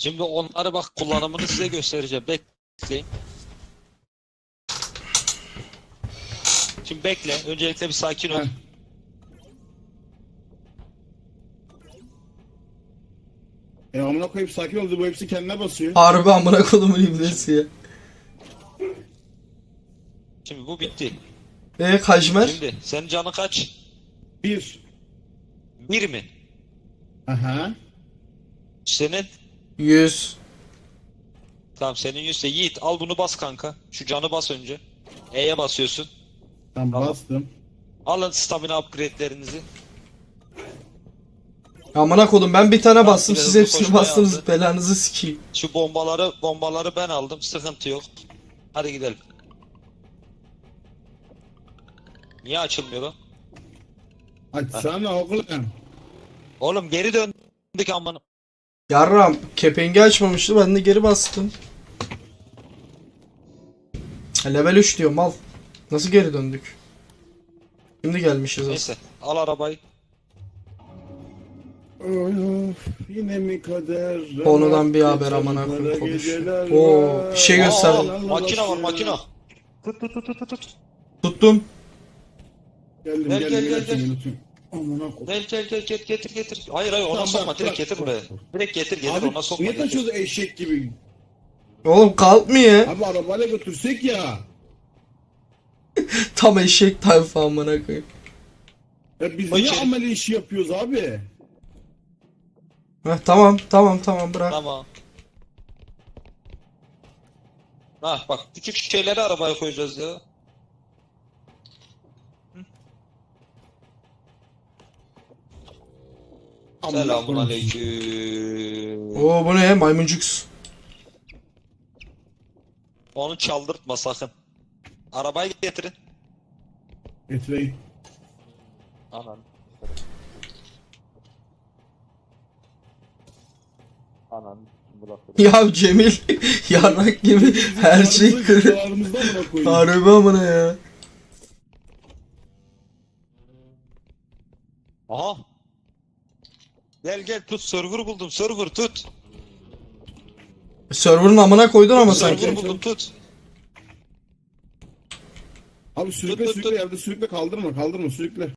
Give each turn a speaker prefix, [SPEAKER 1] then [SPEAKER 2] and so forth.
[SPEAKER 1] Şimdi onları bak kullanımını size göstereceğim. Bekleyin. Şimdi bekle. Öncelikle bir sakin ol.
[SPEAKER 2] Heh. Amına koyup sakin ol, bu hepsi kendine basıyor.
[SPEAKER 3] Harbi amına kodumun ibnesi ya.
[SPEAKER 1] Şimdi bu bitti.
[SPEAKER 3] Kajmer?
[SPEAKER 1] Şimdi senin canı kaç?
[SPEAKER 2] 1.
[SPEAKER 1] 1 mi?
[SPEAKER 2] Aha.
[SPEAKER 1] Senin?
[SPEAKER 3] 100.
[SPEAKER 1] Tamam senin 100'se Yiğit al bunu bas kanka. Şu canı bas önce. E'ye basıyorsun.
[SPEAKER 2] Tamam,
[SPEAKER 1] Tamam.
[SPEAKER 2] bastım.
[SPEAKER 1] Alın stamina upgrade'lerinizi.
[SPEAKER 3] Amına kodum ben bir tane
[SPEAKER 1] Tamam,
[SPEAKER 3] bastım,
[SPEAKER 1] biraz
[SPEAKER 3] siz
[SPEAKER 1] hızlı
[SPEAKER 3] hepsini
[SPEAKER 1] koşmaya
[SPEAKER 3] bastınız,
[SPEAKER 1] aldı.
[SPEAKER 3] belanızı sikeyim.
[SPEAKER 1] Şu bombaları ben aldım. Sıkıntı yok. Hadi gidelim. Niye açılmıyor lan?
[SPEAKER 2] Açsana oğlum.
[SPEAKER 1] Oğlum geri döndük amına.
[SPEAKER 3] Yarram kepengi açmamıştı, ben de geri bastım. Level 3 diyor mal. Nasıl geri döndük? Şimdi gelmişiz aslında.
[SPEAKER 1] Neyse al arabayı.
[SPEAKER 2] Of, yine mi kader?
[SPEAKER 3] Konudan bir haber amına koyayım konuşuyor. Oo, bir şey göster.
[SPEAKER 1] Makine var makine. Tut.
[SPEAKER 3] Tuttum.
[SPEAKER 2] Geldim
[SPEAKER 1] Gel,
[SPEAKER 2] geldim
[SPEAKER 1] gel,
[SPEAKER 2] geldim.
[SPEAKER 1] gel.
[SPEAKER 2] Unutuyorum. Amına koyayım.
[SPEAKER 1] Gel getir. Hayır ona
[SPEAKER 2] Tamam,
[SPEAKER 1] sokma
[SPEAKER 2] bırak,
[SPEAKER 1] direkt
[SPEAKER 2] bırak,
[SPEAKER 1] getir
[SPEAKER 2] bırak.
[SPEAKER 1] buraya. Direkt getir
[SPEAKER 2] Abi
[SPEAKER 1] ona sokma.
[SPEAKER 2] niye
[SPEAKER 1] Getir.
[SPEAKER 2] taşıyoruz eşek gibi?
[SPEAKER 3] Oğlum kalkmıyor.
[SPEAKER 2] Abi arabayla götürsek ya.
[SPEAKER 3] Tam eşek tayfa amına koyayım.
[SPEAKER 2] Ya biz
[SPEAKER 1] Koy
[SPEAKER 2] niye
[SPEAKER 1] içeri.
[SPEAKER 2] amele işi yapıyoruz abi?
[SPEAKER 3] Heh, tamam bırak.
[SPEAKER 1] Tamam. Bak küçük şeyleri arabaya koyacağız ya. Selamun aleyküm.
[SPEAKER 3] Oo bu ne maymuncuks.
[SPEAKER 1] Onu çaldırtma sakın. Arabayı getirin.
[SPEAKER 2] Getireyim.
[SPEAKER 1] Anan. Anan.
[SPEAKER 3] Ya Cemil yarrak gibi her şey kırık.
[SPEAKER 2] Kırık.
[SPEAKER 3] Harbi amına ya.
[SPEAKER 1] Aha. Gel tut server buldum server tut.
[SPEAKER 3] Server'ın amına koydun ama
[SPEAKER 1] Server
[SPEAKER 3] sanki.
[SPEAKER 1] buldum tut.
[SPEAKER 2] Abi sürükle
[SPEAKER 1] Tut,
[SPEAKER 2] sürükle yerde sürükle, kaldırma sürükle.